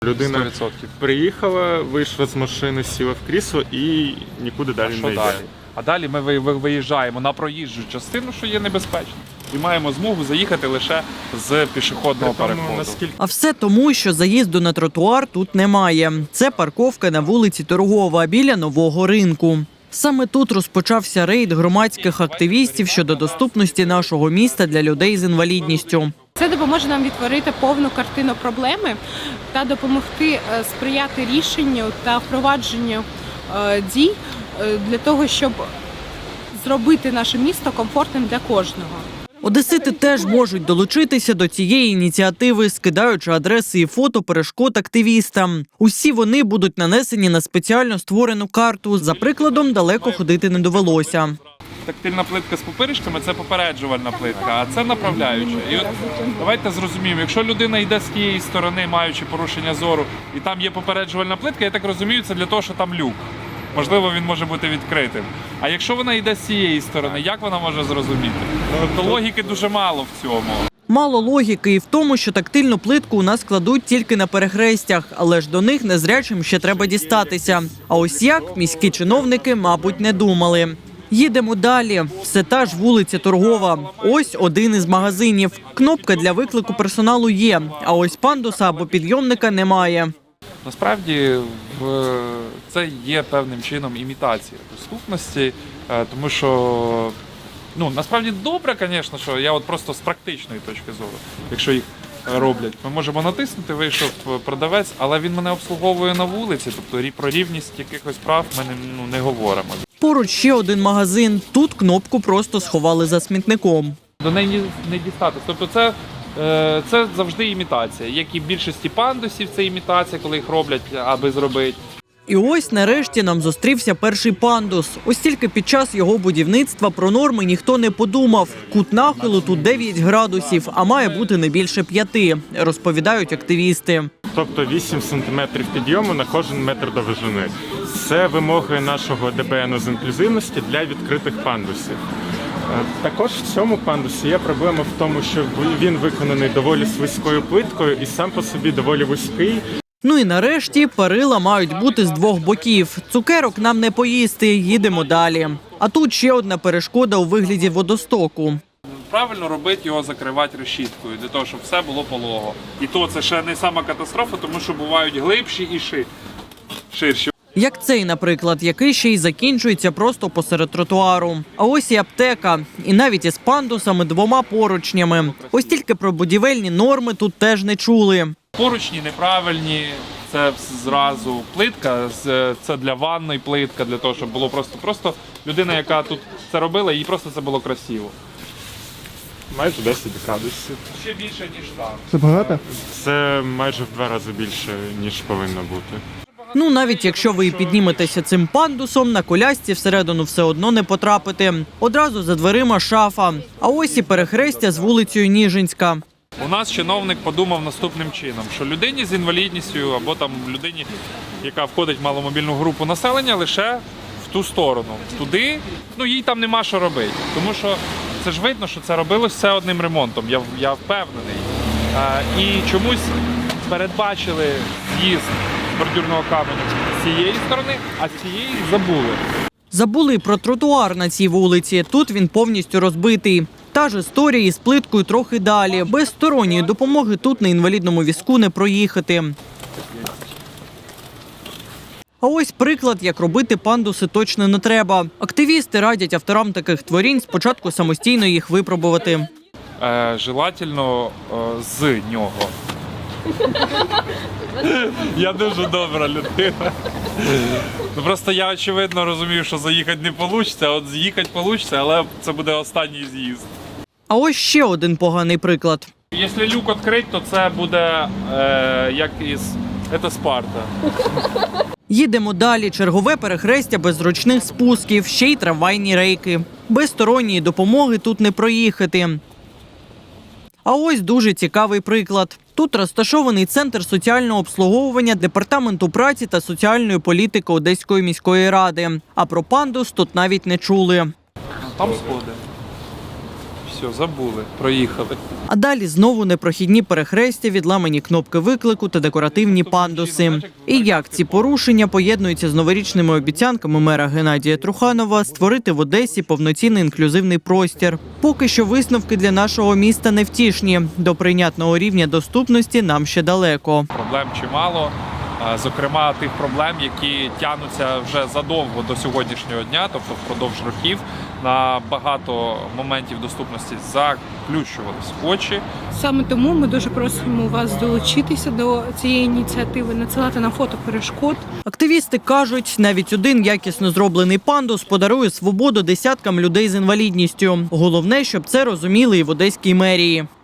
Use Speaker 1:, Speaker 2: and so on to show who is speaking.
Speaker 1: Людина
Speaker 2: 100%.
Speaker 1: приїхала, вийшла з машини, сіла в крісло і нікуди далі не йде.
Speaker 2: А далі ми виїжджаємо на проїжджу частину, що є небезпечно, і маємо змогу заїхати лише з пішохідного переходу.
Speaker 3: А все тому, що заїзду на тротуар тут немає. Це парковка на вулиці Торгова біля нового ринку. Саме тут розпочався рейд громадських активістів щодо доступності нашого міста для людей з інвалідністю.
Speaker 4: Це допоможе нам відтворити повну картину проблеми та допомогти сприяти рішенню та впровадженню дій для того, щоб зробити наше місто комфортним для кожного.
Speaker 3: Одесити теж можуть долучитися до цієї ініціативи, скидаючи адреси і фото перешкод активістам. Усі вони будуть нанесені на спеціально створену карту. За прикладом, далеко ходити не довелося.
Speaker 2: Тактильна плитка з пупиришками – це попереджувальна плитка, а це направляюча. І от давайте зрозуміємо, якщо людина йде з тієї сторони, маючи порушення зору, і там є попереджувальна плитка, я так розумію, це для того, що там люк. Можливо, він може бути відкритим. А якщо вона йде з цієї сторони, як вона може зрозуміти? Тобто логіки дуже мало в цьому.
Speaker 3: Мало логіки і в тому, що тактильну плитку у нас кладуть тільки на перехрестях, але ж до них незрячим ще треба дістатися. А ось як міські чиновники, мабуть, не думали. Їдемо далі. Все та ж вулиця Торгова. Ось один із магазинів. Кнопка для виклику персоналу є, а ось пандуса або підйомника немає.
Speaker 2: Насправді це є певним чином імітація доступності, тому що насправді добре, звісно, що я от просто з практичної точки зору, якщо їх роблять, ми можемо натиснути, вийшов продавець, але він мене обслуговує на вулиці, тобто про рівність якихось прав ми не говоримо.
Speaker 3: Поруч ще один магазин. Тут кнопку просто сховали за смітником.
Speaker 2: До неї не дістатися. Тобто це завжди імітація. Як і в більшості пандусів, це імітація, коли їх роблять, аби зробити.
Speaker 3: І ось нарешті нам зустрівся перший пандус. Ось тільки під час його будівництва про норми ніхто не подумав. Кут нахилу тут 9 градусів, а має бути не більше 5, розповідають активісти.
Speaker 1: Тобто 8 сантиметрів підйому на кожен метр довжини. Це вимоги нашого ДБН з інклюзивності для відкритих пандусів. Також в цьому пандусі є проблема в тому, що він виконаний доволі слизькою плиткою і сам по собі доволі вузький.
Speaker 3: Ну і нарешті перила мають бути з 2 боків. Цукерок нам не поїсти, їдемо далі. А тут ще одна перешкода у вигляді водостоку.
Speaker 2: Правильно робити його, закривати решіткою, для того, щоб все було полого. І то це ще не сама катастрофа, тому що бувають глибші і ширші.
Speaker 3: Як цей, наприклад, який ще й закінчується просто посеред тротуару. А ось і аптека. І навіть із пандусами 2 поручнями. Ось тільки про будівельні норми тут теж не чули.
Speaker 2: Поручні неправильні, це зразу плитка, це для ванної плитка, для того, щоб було просто людина, яка тут це робила, їй просто це було красиво.
Speaker 1: Майже 10 градусів.
Speaker 2: Ще більше, ніж там.
Speaker 5: Це багато?
Speaker 1: Це майже в 2 рази більше, ніж повинно бути.
Speaker 3: Ну, навіть якщо ви і підніметеся цим пандусом, на колясці всередину все одно не потрапите. Одразу за дверима шафа. А ось і перехрестя з вулицею Ніжинська.
Speaker 2: У нас чиновник подумав наступним чином, що людині з інвалідністю або там людині, яка входить в маломобільну групу населення, лише в ту сторону. Туди, їй там нема що робити. Тому що це ж видно, що це робилось все одним ремонтом, я впевнений. І чомусь передбачили з'їзд бордюрного каменю з цієї сторони, а з цієї забули.
Speaker 3: Забули про тротуар на цій вулиці. Тут він повністю розбитий. Та ж історія із плиткою трохи далі. Без сторонньої допомоги тут на інвалідному візку не проїхати. А ось приклад, як робити пандуси точно не треба. Активісти радять авторам таких творінь спочатку самостійно їх випробувати.
Speaker 2: Желательно з нього. Я дуже добра людина. Просто я, очевидно, розумію, що заїхати не вийде, а от з'їхати вийде, але це буде останній з'їзд.
Speaker 3: А ось ще один поганий приклад.
Speaker 2: Якщо люк відкрити, то це буде як із Спарта.
Speaker 3: Їдемо далі. Чергове перехрестя без зручних спусків, ще й трамвайні рейки. Без сторонньої допомоги тут не проїхати. А ось дуже цікавий приклад. Тут розташований центр соціального обслуговування Департаменту праці та соціальної політики Одеської міської ради. А про пандус тут навіть не чули.
Speaker 2: Там сходи. все, забули, проїхали.
Speaker 3: А далі знову непрохідні перехрестя, відламані кнопки виклику та декоративні пандуси. І як ці порушення поєднуються з новорічними обіцянками мера Геннадія Труханова створити в Одесі повноцінний інклюзивний простір. Поки що висновки для нашого міста невтішні. До прийнятного рівня доступності нам ще далеко.
Speaker 2: Проблем чимало. Зокрема, тих проблем, які тягнуться вже задовго до сьогоднішнього дня, тобто впродовж років, на багато моментів доступності заплющувались очі.
Speaker 4: Саме тому ми дуже просимо вас долучитися до цієї ініціативи, надсилати нам фото перешкод.
Speaker 3: Активісти кажуть, навіть один якісно зроблений пандус подарує свободу десяткам людей з інвалідністю. Головне, щоб це розуміли і в одеській мерії.